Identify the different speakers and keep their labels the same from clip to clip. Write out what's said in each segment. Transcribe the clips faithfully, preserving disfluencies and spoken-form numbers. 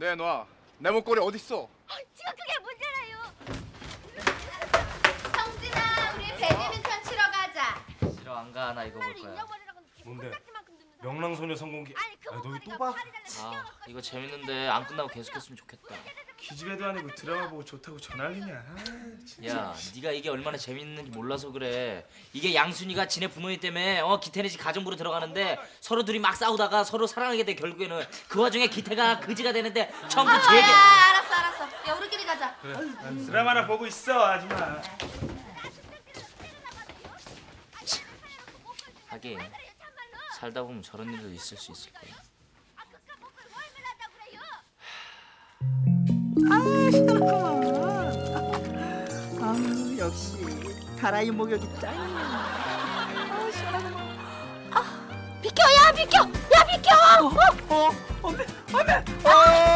Speaker 1: 내놔. 내 목걸이 어딨어?
Speaker 2: 지금 그게 문제라요. 성진아, 우리 배드민턴 치러 가자.
Speaker 3: 싫어, 안 가. 나 이거 볼 거야.
Speaker 4: 뭔데? 명랑소녀 성공기.
Speaker 2: 아니, 그
Speaker 4: 아, 너
Speaker 2: 목걸이가
Speaker 4: 또 봐?
Speaker 2: 팔이 달려
Speaker 3: 아,
Speaker 2: 튀어나왔거든.
Speaker 3: 이거 재밌는데 안 끝나고 계속했으면 좋겠다.
Speaker 4: 기집애도 아니고 드라마 보고 좋다고 전화리냐. 아, 진짜.
Speaker 3: 야, 네가 이게 얼마나 재밌는지 몰라서 그래. 이게 양순이가 지네 부모님 때문에 어 기태네 집 가정부로 들어가는데 서로 둘이 막 싸우다가 서로 사랑하게 돼. 결국에는 그 와중에 기태가 그지가 되는데 전부
Speaker 2: 아,
Speaker 3: 제게.
Speaker 2: 야, 알았어, 알았어. 야, 우리끼리 가자.
Speaker 4: 그래. 드라마나 보고 있어, 아줌마.
Speaker 3: 하긴 살다 보면 저런 일도 있을 수 있을 거야.
Speaker 5: 아 시원하구만. 아 역시 가라이 목욕이 짱이야. 아 시원하구만.
Speaker 2: 아, 비켜, 야, 비켜, 야, 비켜.
Speaker 5: 어? 어? 엄매 엄매. 어!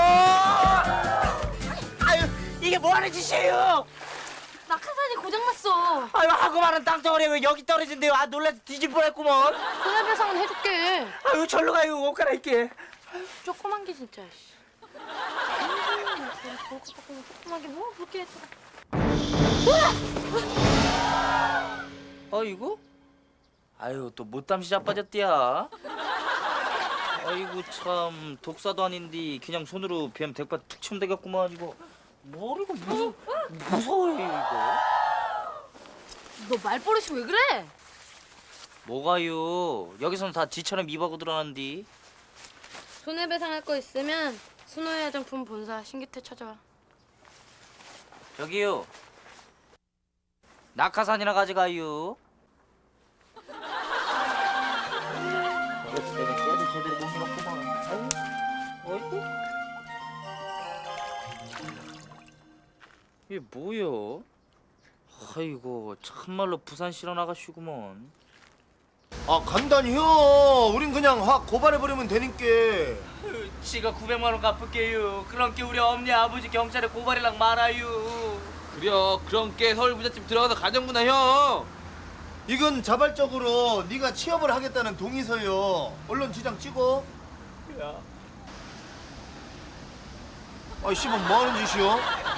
Speaker 5: 아유 이게 뭐하는 짓이에요?
Speaker 2: 낙하산이 고장났어.
Speaker 5: 아유 하고 말은 땅덩어리 왜 여기 떨어진대요? 아 놀라서 뒤질 뻔했구먼.
Speaker 2: 손해배상은 해줄게.
Speaker 5: 아유 절로 가요 옷 갈아입게.
Speaker 2: 조그만 게 진짜. 조그만 게 뭐 그렇게 했어.
Speaker 3: 아이고? 아유, 또 못담시 자빠졌디야. 아이고 참, 독사도 아닌데 그냥 손으로 뱀 대파 툭 치면 되겠구만. 이거 머리가 무서 무서워요 이거.
Speaker 2: 너 말버릇이 왜 그래?
Speaker 3: 뭐가요? 여기서는 다 지처럼 입하고 들어가는디.
Speaker 2: 손해배상 할 거 있으면 순호의 화장품 본사 신기태 찾아와.
Speaker 3: 저기요. 낙하산이나 가져가요. 그렇지, 내가 깨를 제대로 못 밀었구만. 아이고. 이게 뭐여? 아이고, 참말로 부산 실어 나가시구먼.
Speaker 6: 아 간단히요. 우린 그냥 확 고발해버리면 되니까.
Speaker 3: 지가 구백만 원 갚을게요. 그런 게 우리 엄니 아버지 경찰에 고발이랑 말아요.
Speaker 7: 그래요. 그런 게 서울부잣집 들어가서 가정부나 형.
Speaker 6: 이건 자발적으로 네가 취업을 하겠다는 동의서요. 언론 지장 찍어.
Speaker 3: 야.
Speaker 6: 아이 씨발 뭐하는 짓이요?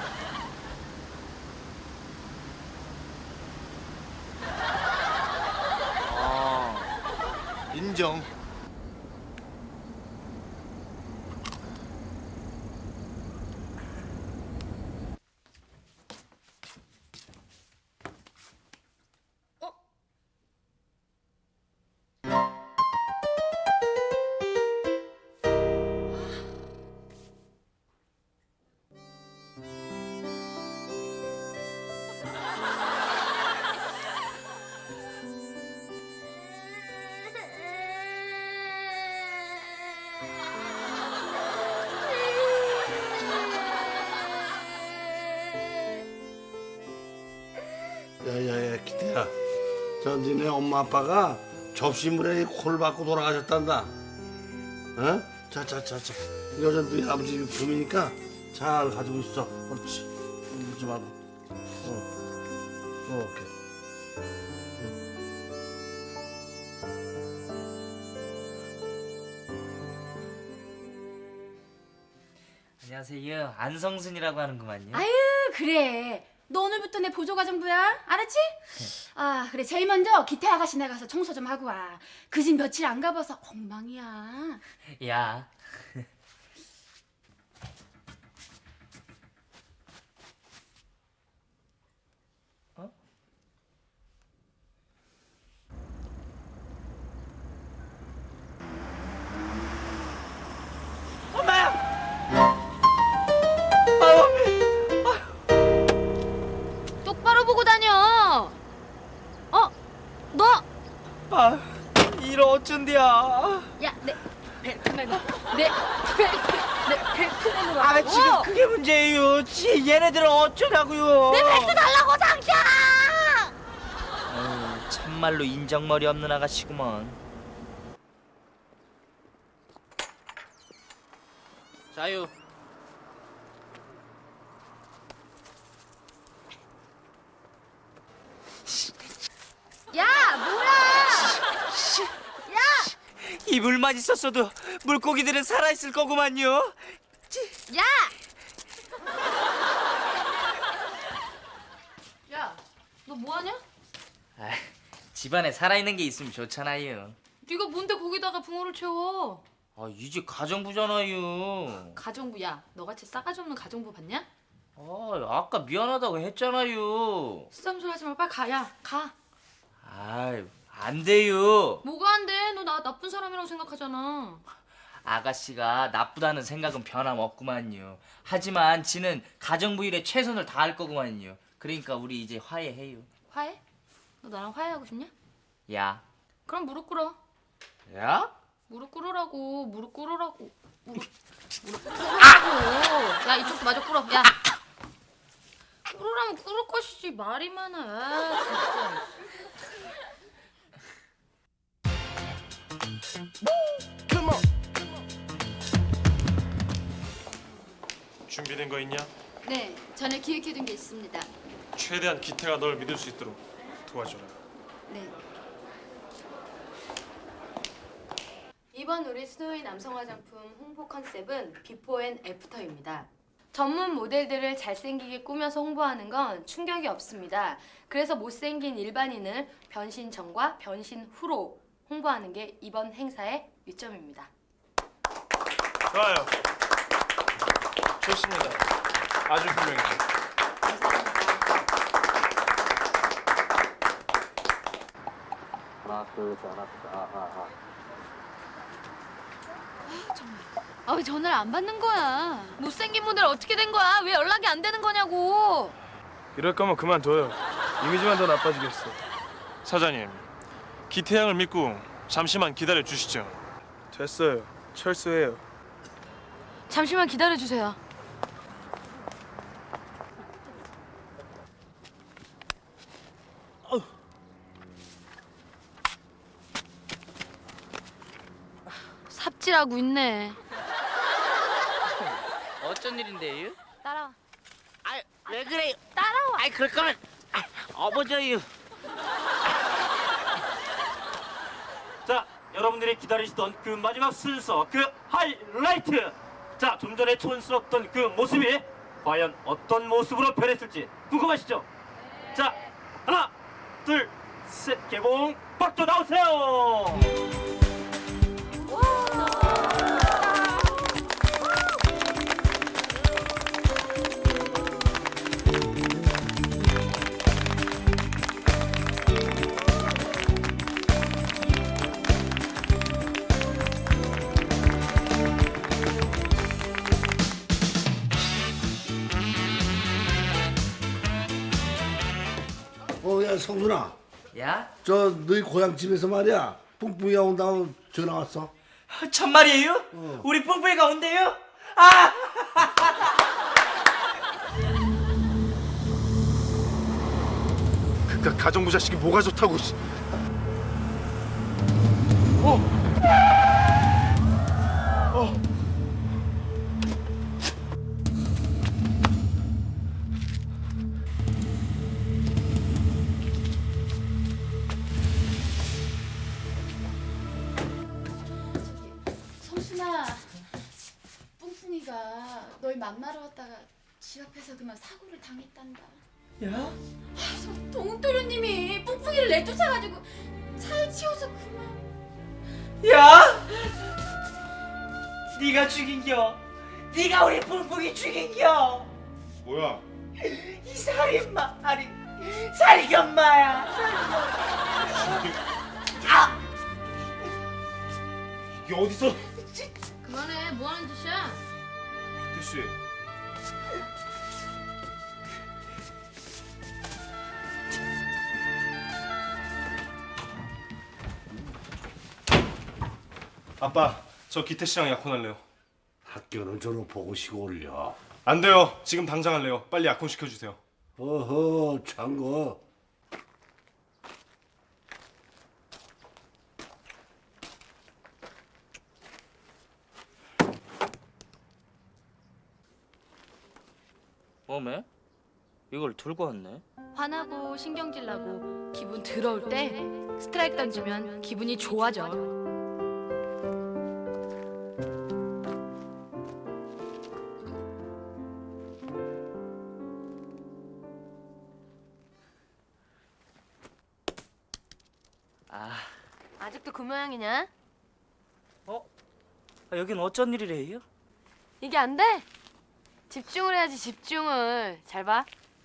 Speaker 3: 아,
Speaker 6: 인정.
Speaker 8: 야야야 기태야, 저 니네 엄마 아빠가 접시물에 코를 박고 돌아가셨단다. 어? 자자자자, 여자 너희 아버지 유품이니까 잘 가지고 있어. 그렇지. 울지 말고. 어. 어, 오케이.
Speaker 3: 안녕하세요. 안성순이라고 하는구만요.
Speaker 9: 아유 그래 너 오늘부터 내 보조가정부야 알았지? 아 그래 제일 먼저 기태 아가씨네 가서 청소 좀 하고 와. 그 집 며칠 안 가봐서 엉망이야.
Speaker 3: 야. 어?
Speaker 5: 엄마야. 아유
Speaker 2: 똑바로 보고 다녀. 어? 너?
Speaker 5: 아 이러 어쩐디야.
Speaker 2: 야, 내 벨트맨. 내 벨트. 내 벨트맨으로.
Speaker 5: 아 지금 그게 문제예요. 지 얘네들은 어쩌냐고요.
Speaker 2: 내 벨트 달라고 당장.
Speaker 3: 아유, 참말로 인정머리 없는 아가씨구먼. 자유.
Speaker 2: 야, 뭐야? 야!
Speaker 5: 이불만 있었어도 물고기들은 살아있을 거구만요. 찌.
Speaker 2: 야! 야, 너 뭐하냐?
Speaker 3: 아, 집안에 살아있는 게 있으면 좋잖아요.
Speaker 2: 네가 뭔데 거기다가 붕어를 채워?
Speaker 3: 아, 이제 가정부잖아요.
Speaker 2: 가정부, 야, 너같이 싸가지 없는 가정부 봤냐?
Speaker 3: 아, 아까 미안하다고 했잖아요.
Speaker 2: 쓰담소리 하지 말고 빨리 가, 야, 가.
Speaker 3: 아, 안 돼요.
Speaker 2: 뭐가 안 돼? 너 나 나쁜 사람이라고 생각하잖아.
Speaker 3: 아가씨가 나쁘다는 생각은 변함없구만요. 하지만 지는 가정부 일에 최선을 다할 거구만요. 그러니까 우리 이제 화해해요.
Speaker 2: 화해? 너 나랑 화해하고 싶냐?
Speaker 3: 야.
Speaker 2: 그럼 무릎 꿇어.
Speaker 3: 야?
Speaker 2: 무릎 꿇으라고, 무릎 꿇으라고. 무릎, 무릎 꿇으라고. 야, 이쪽도 마저 꿇어. 야. 꿇으라면 꿇을 것이지. 말이 많아. 아, 진짜.
Speaker 10: 준비된 거 있냐?
Speaker 9: 네, 전에 기획해둔 게 있습니다.
Speaker 10: 최대한 기태가 널 믿을 수 있도록 도와줘라.
Speaker 9: 네.
Speaker 2: 이번 우리 스노이 남성 화장품 홍보 컨셉은 비포 앤 애프터입니다. 전문 모델들을 잘생기게 꾸며서 홍보하는 건 충격이 없습니다. 그래서 못생긴 일반인을 변신 전과 변신 후로 홍보하는 게 이번 행사의 요점입니다.
Speaker 10: 좋아요. 좋습니다. 아주 훌륭해요.
Speaker 2: 아, 왜 전화를 안 받는 거야? 못생긴 모델 어떻게 된 거야? 왜 연락이 안 되는 거냐고.
Speaker 4: 이럴 거면 그만둬요. 이미지만 더 나빠지겠어.
Speaker 10: 사장님, 기태 양을 믿고 잠시만 기다려 주시죠.
Speaker 4: 됐어요. 철수해요.
Speaker 2: 잠시만 기다려 주세요. 삽질하고 있네.
Speaker 3: 어쩐 일인데요?
Speaker 2: 따라와.
Speaker 5: 아, 왜 그래요? 따라와. 아이, 그럴 거면 아, 어버져요. 자, 여러분들이 기다리시던 그 마지막 순서, 그 하이라이트. 자, 좀 전에 촌스럽던 그 모습이 과연 어떤 모습으로 변했을지 궁금하시죠? 자, 하나, 둘, 셋, 개봉, 박도 나오세요.
Speaker 8: 어, 야, 성준아.
Speaker 3: 야?
Speaker 8: 저 너희 고향 집에서 말이야. 뿡뿡이가 온다고 전화 왔어.
Speaker 3: 참말이에요? 우리 뿡뿡이가 온대요? 아!
Speaker 4: 그깟 가정부 자식이 뭐가 좋다고. 씨.
Speaker 9: 성순아, 뿡뿡이가 널 만나러 왔다가 집 앞에서 그만 사고를 당했단다.
Speaker 3: 야?
Speaker 9: 동욱도련님이 뿡뿡이를 내쫓아가지고 차에 치워서 그만.
Speaker 5: 야! 네가 죽인겨. 네가 우리 뿡뿡이 죽인겨.
Speaker 4: 뭐야?
Speaker 5: 이 살인마 아니 살견마야. 아!
Speaker 4: 이게 어디서?
Speaker 2: 그만해. 뭐 하는 짓이야?
Speaker 4: 기태 씨.
Speaker 10: 아빠, 저 기태 씨랑 약혼할래요.
Speaker 8: 학교는 졸업하고 시고 올려.
Speaker 10: 안 돼요. 지금 당장 할래요. 빨리 약혼 시켜주세요.
Speaker 8: 어허, 창거.
Speaker 3: 어메? 이걸 들고 왔네.
Speaker 2: 화나고 신경질 나고 기분 더러울 때 스트라이크 던지면 기분이 좋아져. 아직도 그 모양이냐?
Speaker 3: 어? 아, 여긴 어쩐 일이래요?
Speaker 2: 이게 안 돼? 집중을 해야지 집중을. 잘 봐.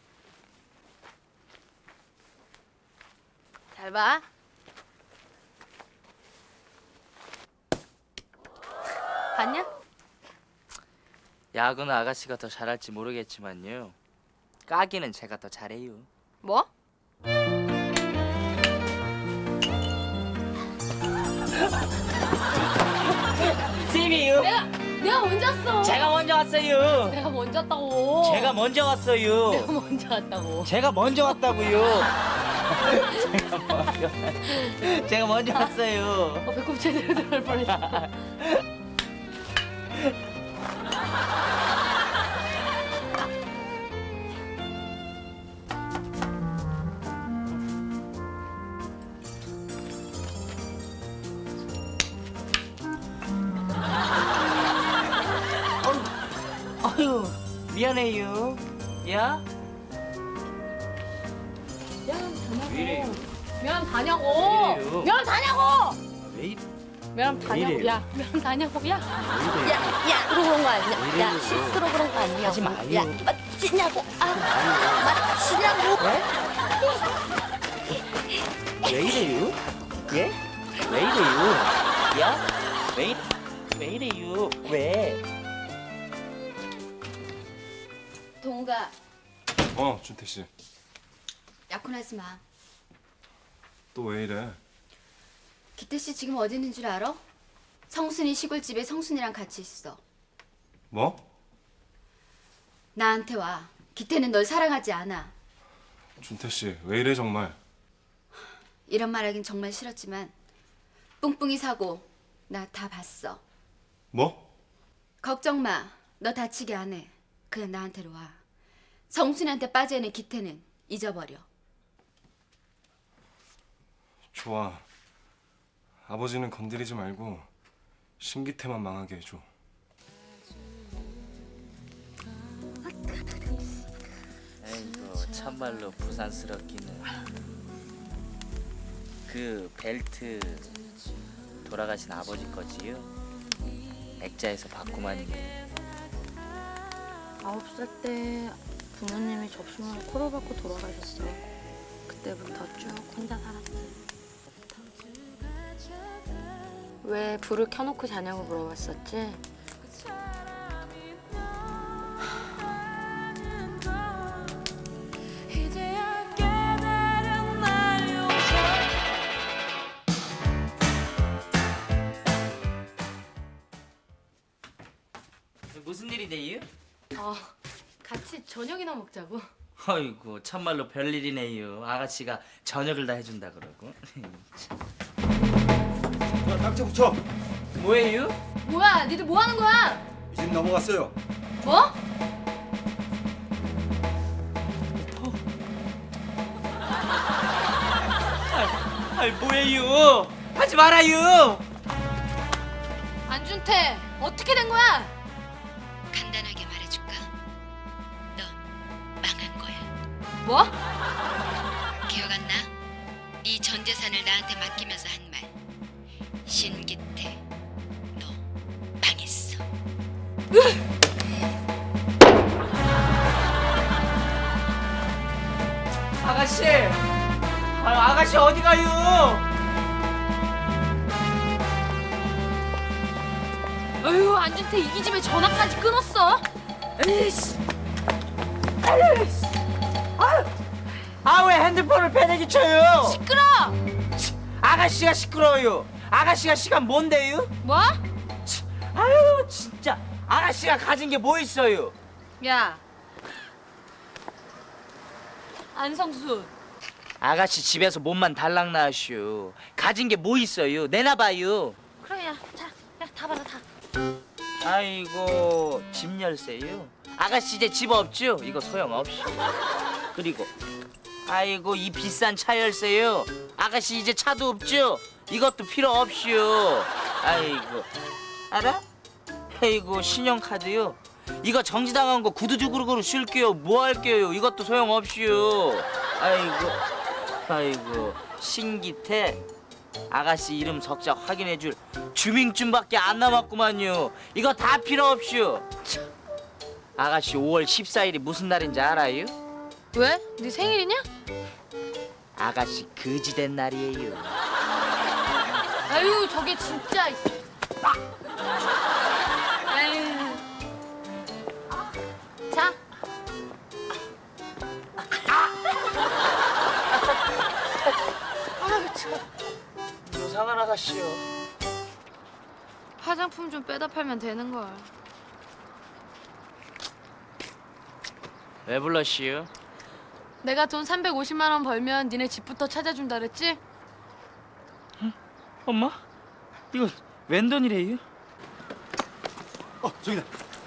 Speaker 2: 잘 봐. 봤냐?
Speaker 3: 야구는 아가씨가 더 잘할지 모르겠지만요. 까기는 제가 더 잘해요.
Speaker 2: 뭐?
Speaker 3: 쌤이요.
Speaker 2: 내가 내가 먼저 왔어.
Speaker 3: 제가 먼저 왔어요.
Speaker 2: 내가 먼저 왔다고.
Speaker 3: 제가 먼저 왔어요.
Speaker 2: 내가 먼저 왔다고.
Speaker 3: 제가 먼저 왔다고요. 제가 먼저 제가 먼저 왔어요.
Speaker 2: 어, 배꼽 제대로 들어갈 뻔했어.
Speaker 3: 아유, 미안해요. 야?
Speaker 2: 미안 다냐고.
Speaker 3: 왜 이래요?
Speaker 2: 미안 다냐고.
Speaker 3: 왜 이래?
Speaker 2: 미안
Speaker 3: 왜
Speaker 2: 다냐고.
Speaker 3: 이래요?
Speaker 2: 야, 미안 다냐고. 야.
Speaker 3: 왜 이래요?
Speaker 2: 야, 야, 그러고 그런 거 아니야.
Speaker 3: 왜
Speaker 2: 야,
Speaker 3: 이래요?
Speaker 2: 실수로 그런 거 아니야.
Speaker 3: 하지 마요.
Speaker 2: 야, 맞지냐고. 아, 맞지냐고.
Speaker 3: 왜 이래요? 예? 왜 이래요? 야? 왜 이래? 왜 이래요? 왜?
Speaker 9: 동우가
Speaker 10: 어, 준태 씨.
Speaker 9: 약혼하지 마.
Speaker 10: 또 왜 이래?
Speaker 9: 기태 씨 지금 어디 있는 줄 알아? 성순이 시골집에 성순이랑 같이 있어.
Speaker 10: 뭐?
Speaker 9: 나한테 와. 기태는 널 사랑하지 않아.
Speaker 10: 준태 씨, 왜 이래 정말?
Speaker 9: 이런 말하긴 정말 싫었지만 뿡뿡이 사고 나 다 봤어.
Speaker 10: 뭐?
Speaker 9: 걱정 마. 너 다치게 안 해. 그냥 나한테로 와. 성순이한테 빠져있는 기태는 잊어버려.
Speaker 10: 좋아. 아버지는 건드리지 말고 신기태만 망하게 해줘.
Speaker 3: 아이고, 참말로 부산스럽기는. 그 벨트 돌아가신 아버지 거지요? 액자에서 봤구만요.
Speaker 2: 아홉 살 때 부모님이 접시문을 코로 박고 돌아가셨어. 그때부터 쭉 혼자 살았지. 왜 불을 켜놓고 자냐고 물어봤었지?
Speaker 3: 무슨 일이네요?
Speaker 2: 어, 같이 저녁이나 먹자고.
Speaker 3: 아이고, 참말로 별일이네요. 아가씨가 저녁을 다 해준다 그러고.
Speaker 6: 자, 딱지 붙여.
Speaker 3: 뭐예요?
Speaker 2: 뭐야, 니들 뭐 하는 거야?
Speaker 6: 이 집 넘어갔어요.
Speaker 2: 뭐?
Speaker 3: 아이, 뭐예요? 하지 말아요.
Speaker 2: 안준태, 어떻게 된 거야?
Speaker 9: 간단하게 말해줄까? 넌 망한 거야.
Speaker 2: 뭐?
Speaker 9: 기억 안 나? 네 전 재산을 나한테 맡기면서 한 말. 신기태, 너 망했어.
Speaker 3: 아가씨, 아, 아가씨 어디 가요?
Speaker 2: 어휴, 안준태 이기집에 전화까지 끊었어.
Speaker 3: 에이씨, 에이씨, 아 왜 핸드폰을 패대기 쳐요?
Speaker 2: 시끄러.
Speaker 3: 아가씨가 시끄러워요. 아가씨가 시간 뭔데요?
Speaker 2: 뭐?
Speaker 3: 아유 진짜 아가씨가 가진 게 뭐 있어요?
Speaker 2: 야, 안성수.
Speaker 3: 아가씨 집에서 몸만 달랑 나시오. 가진 게 뭐 있어요? 내놔봐요.
Speaker 2: 그래, 야, 자, 야, 다 받아, 다.
Speaker 3: 아이고 집 열쇠요? 아가씨 이제 집 없죠? 이거 소용없이. 그리고 아이고 이 비싼 차 열쇠요. 아가씨 이제 차도 없죠? 이것도 필요 없이요. 아이고 알아? 아이고 신용카드요. 이거 정지당한 거 구두죽으로 쓸게요. 뭐 할게요? 이것도 소용없이요. 아이고 아이고 신기태 아가씨 이름 석자 확인해줄 주민증밖에 안 남았구만요. 이거 다 필요 없슈. 아가씨 오월 십사일이 무슨 날인지 알아요?
Speaker 2: 왜? 네 생일이냐?
Speaker 3: 아가씨 거지된 날이에요.
Speaker 2: 아유 저게 진짜. 아유. 자.
Speaker 3: 아유 참. 이상한 아가씨요.
Speaker 2: 화장품 좀 빼다 팔면 되는 걸.
Speaker 3: 왜 불렀시요?
Speaker 2: 내가 돈 삼백오십만 원 벌면 니네 집부터 찾아준다 그랬지?
Speaker 3: 엄마? 이거 웬 돈이래요?
Speaker 11: 어, 저기다.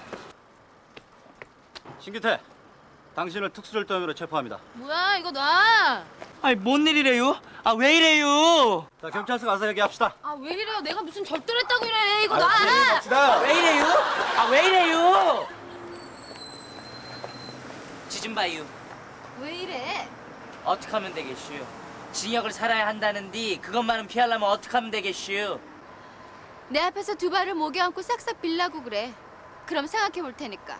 Speaker 11: 신기태, 당신을 특수절도 혐의로 체포합니다.
Speaker 2: 뭐야 이거 놔.
Speaker 3: 아니 뭔 일이래요? 아 왜 이래요?
Speaker 11: 자, 경찰서 가서 얘기합시다.
Speaker 2: 아 왜 이래요? 내가 무슨 절도를 했다고 이래. 이거
Speaker 11: 아,
Speaker 2: 놔.
Speaker 3: 아, 왜 이래요? 아 왜 이래요? 지좀 봐요.
Speaker 2: 왜 이래?
Speaker 3: 어떻게 하면 되겠슈? 징역을 살아야 한다는데 그것만은 피하려면 어떻게 하면 되겠슈?
Speaker 12: 내 앞에서 두 발을 목에 얹고 싹싹 빌라고 그래. 그럼 생각해 볼 테니까.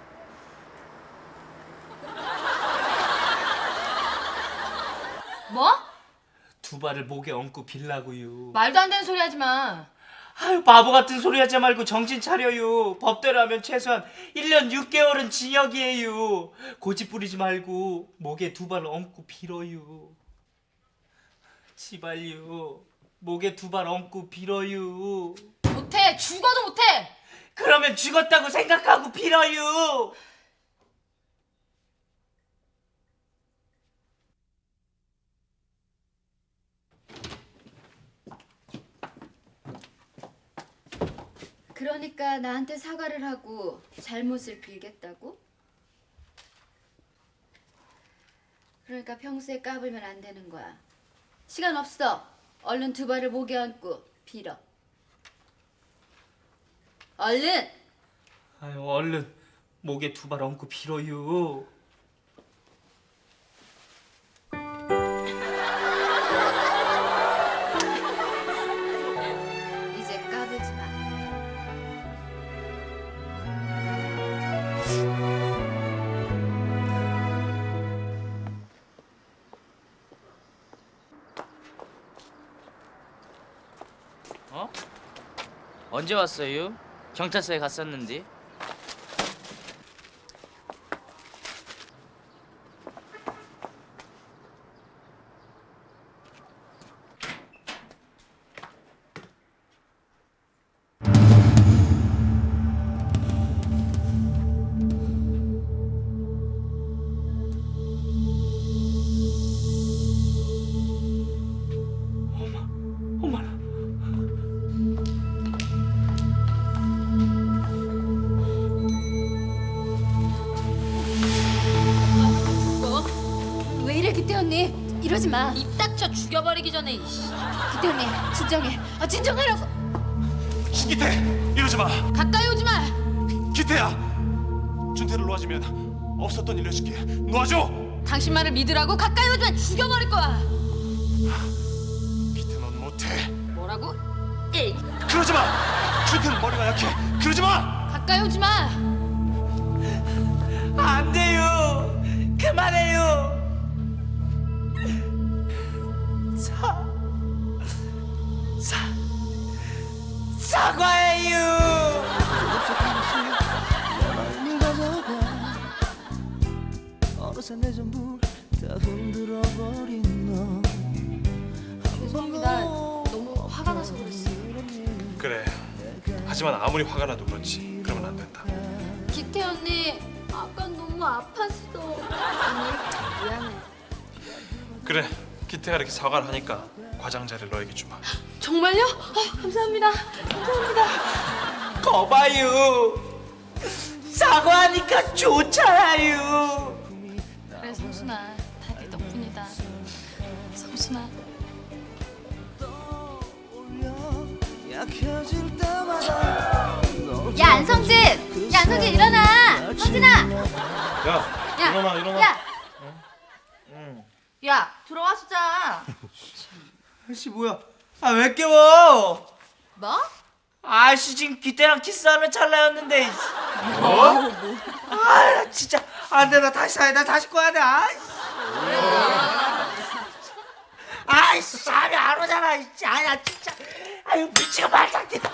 Speaker 2: 뭐?
Speaker 3: 두 발을 목에 얹고 빌라고요.
Speaker 2: 말도 안 되는 소리 하지 마.
Speaker 3: 아유 바보 같은 소리 하지 말고 정신 차려요. 법대로 하면 최소한 일 년 육 개월은 징역이에요. 고집 부리지 말고 목에 두 발 얹고 빌어요. 지발요. 목에 두 발 얹고 빌어요.
Speaker 2: 못해. 죽어도 못해.
Speaker 3: 그러면 죽었다고 생각하고 빌어요.
Speaker 12: 그러니까 나한테 사과를 하고 잘못을 빌겠다고? 그러니까 평소에 까불면 안 되는 거야. 시간 없어. 얼른 두 발을 목에 얹고 빌어. 얼른!
Speaker 3: 아유 얼른 목에 두 발 얹고 빌어요.
Speaker 12: 이제 까불지 마.
Speaker 3: 어? 언제 왔어요? 경찰서에 갔었는데.
Speaker 12: 왜 이래 기태 언니? 이러지 마.
Speaker 2: 입 닥쳐 죽여버리기 전에. 이씨.
Speaker 12: 기태 언니 진정해. 아 진정하라고.
Speaker 10: 신기태 이러지 마.
Speaker 2: 가까이 오지 마.
Speaker 10: 기태야. 준태를 놓아주면 없었던 일 해줄게. 놓아줘.
Speaker 2: 당신 말을 믿으라고. 가까이 오지 마. 죽여버릴 거야.
Speaker 10: 기태 넌 못해.
Speaker 2: 뭐라고? 에이.
Speaker 10: 그러지 마. 준태는 머리가 약해. 그러지 마.
Speaker 2: 가까이 오지 마.
Speaker 3: 안 돼요. 그만해요. 사, 사, 사과해요.
Speaker 2: 죄송합니다. 너무 화가 나서 그랬어요.
Speaker 10: 그래. 하지만 아무리 화가 나도 그렇지. 그러면 안 된다.
Speaker 12: 기태 언니 아까 너무 아팠어.
Speaker 2: 언니 미안해.
Speaker 10: 그래. 기태가 이렇게 사과를 하니까 과장자를 너에게 주마.
Speaker 2: 정말요? 어, 감사합니다. 감사합니다.
Speaker 3: 거봐요. 사과하니까 좋잖아요.
Speaker 2: 그래 성순아, 다 네 덕분이다. 성순아.
Speaker 12: 야 안성진! 야 안성진 일어나! 성진아!
Speaker 10: 야,
Speaker 12: 야!
Speaker 10: 일어나, 일어나.
Speaker 12: 야!
Speaker 3: 응.
Speaker 13: 야 들어와 수자.
Speaker 3: 아씨 뭐야? 아 왜 깨워?
Speaker 12: 뭐?
Speaker 3: 아씨 지금 기태랑 키스하는 찰나였는데.
Speaker 12: 뭐?
Speaker 3: 아 진짜 안돼 나 다시 사야 나 다시 꺼야 돼. 아이씨. 아이씨 잠이 안 오잖아. 아야 진짜. 아유 미치고 말짝 뛰다.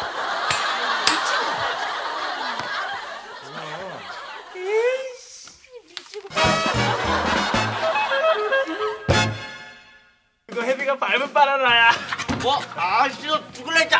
Speaker 5: 이거 해비가 밟은 바나나야.
Speaker 3: 뭐? 아 싫어 죽을래 진짜.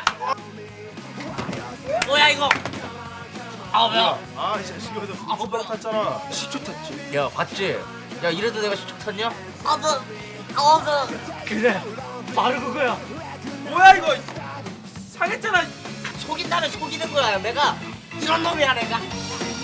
Speaker 3: 뭐야 이거? 아 뭐야?
Speaker 4: 아, 이 자식이 어디 식초 탔잖아. 식초 탔지.
Speaker 7: 야 봤지? 야 이래도 내가 식초 탔냐?
Speaker 3: 아 뭐? 아 뭐?
Speaker 5: 그래, 바로 그거야.
Speaker 3: 뭐야 이거? 상했잖아. 속인다면 속이는 거야. 내가 이런 놈이야 내가.